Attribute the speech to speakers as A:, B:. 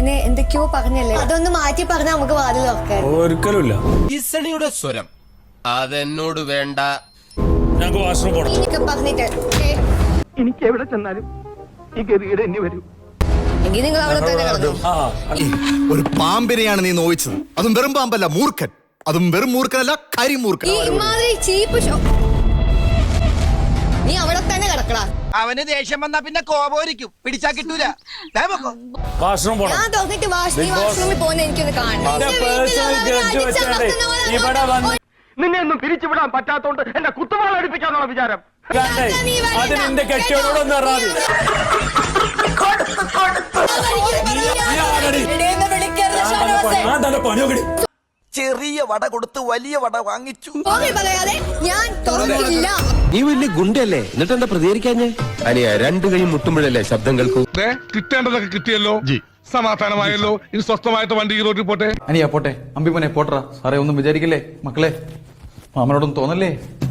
A: എന്നെ എന്തൊക്കെയോ പറഞ്ഞല്ലേ, അതൊന്ന് മാറ്റി പറഞ്ഞാൽ നമുക്ക് വാതിൽ തുറക്കാം.
B: ഒരിക്കലുമില്ല.
C: ഈസണിയുടെ സ്വരം അതെന്നോട് വേണ്ട.
B: ഞങ്ങൾക്ക് വാഷ്റൂം പോകണം.
A: പറഞ്ഞിട്ട്
D: എനിക്ക് എവിടെ ചെന്നാലും ഈ ഗതികേട് എന്നെ വരൂ.
A: എങ്കിൽ നിങ്ങൾ അവിടെ തന്നെ കിടന്നു.
E: ഒരു പാമ്പിനെയാണ് നീ നോവിച്ചത്. അതും വെറും പാമ്പല്ല, മൂർഖൻ. അതും വെറും മൂർഖനല്ല, കരിമൂർഖൻ.
A: ഈ ഇമാതിരി ചീപ്പ് ഷോ നീ അവിടെ തന്നെ കിടക്കടാ.
F: അവന് ദേഷ്യം വന്നാ പിന്നെ കോപോരിക്കും, പിടിച്ചാ കിട്ടൂല.
B: വാഷ്റൂം പോകണം.
A: ഞാൻ തുറന്നിട്ട് വാഷ്റൂമിൽ പോകുന്ന എനിക്കൊന്ന് കാണണം.
B: ഇവിടെ വന്ന്
D: നിന്നെ ഒന്നും പിരിച്ചുവിടാൻ പറ്റാത്തോണ്ട് എന്റെ കുത്തുവാള അടുപ്പിക്കാന്നുള്ള വിചാരം.
B: അത് നിന്റെ കെട്ടിയോടൊന്ന് പറഞ്ഞാൽ പണിയൊക്കെ.
F: ചെറിയ വട കൊടുത്ത് വലിയ വട വാങ്ങിച്ചു.
A: പറയാതെ ഞാൻ തുറക്കില്ല.
C: നീ വലിയ ഗുണ്ടല്ലേ, എന്നിട്ട് എന്താ പ്രതികരിക്കാഞ്ഞേ? അനിയ രണ്ടു കൈ മുട്ടുമ്പോഴല്ലേ ശബ്ദം കേൾക്കൂ.
G: കിട്ടേണ്ടതൊക്കെ കിട്ടിയല്ലോ, സമാധാനമായല്ലോ. ഇനി സ്വസ്ഥമായിട്ട് വണ്ടി റോഡിൽ പോട്ടെ.
H: അനിയാ പോട്ടെ, അമ്പിമനെ പോട്ടറ. സാറേ ഒന്നും വിചാരിക്കില്ലേ മക്കളെ, മാമനോടൊന്നും തോന്നല്ലേ?